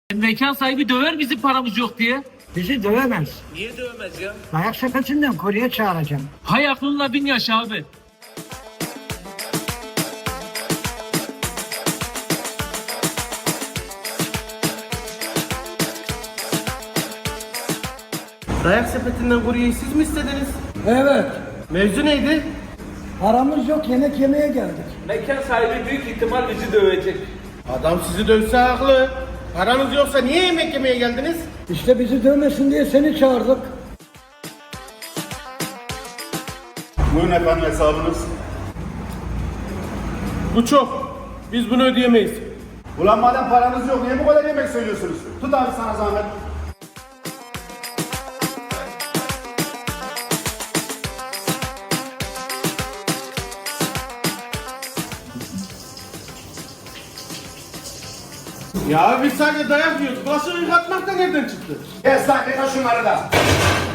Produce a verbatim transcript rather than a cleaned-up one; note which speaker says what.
Speaker 1: Mekan sahibi döver bizim paramız yok diye.
Speaker 2: Bizi dövemez.
Speaker 1: Niye dövmez ya?
Speaker 2: Dayak sepetinden kurye çağıracağım.
Speaker 1: Hay aklınla bin yaşa abi.
Speaker 3: Dayak sepetinden kuryeyi siz mi istediniz?
Speaker 2: Evet.
Speaker 3: Mevzu neydi?
Speaker 2: Paramız yok, yemek yemeye geldik.
Speaker 1: Mekan sahibi büyük ihtimal bizi dövecek.
Speaker 3: Adam sizi dövse haklı. Paranız yoksa niye yemek yemeye geldiniz?
Speaker 2: İşte bizi dövmesin diye seni çağırdık.
Speaker 4: Buyurun efendim hesabınız.
Speaker 3: Bu çok. Biz bunu ödeyemeyiz.
Speaker 4: Ulan madem paranız yok niye bu kadar yemek söylüyorsunuz? Tut abi sana zahmet.
Speaker 3: Ya biz sadece dayak yiyoruz. Bulaşık yıkatmak da nereden çıktı?
Speaker 4: Kes lan yıka şunları da.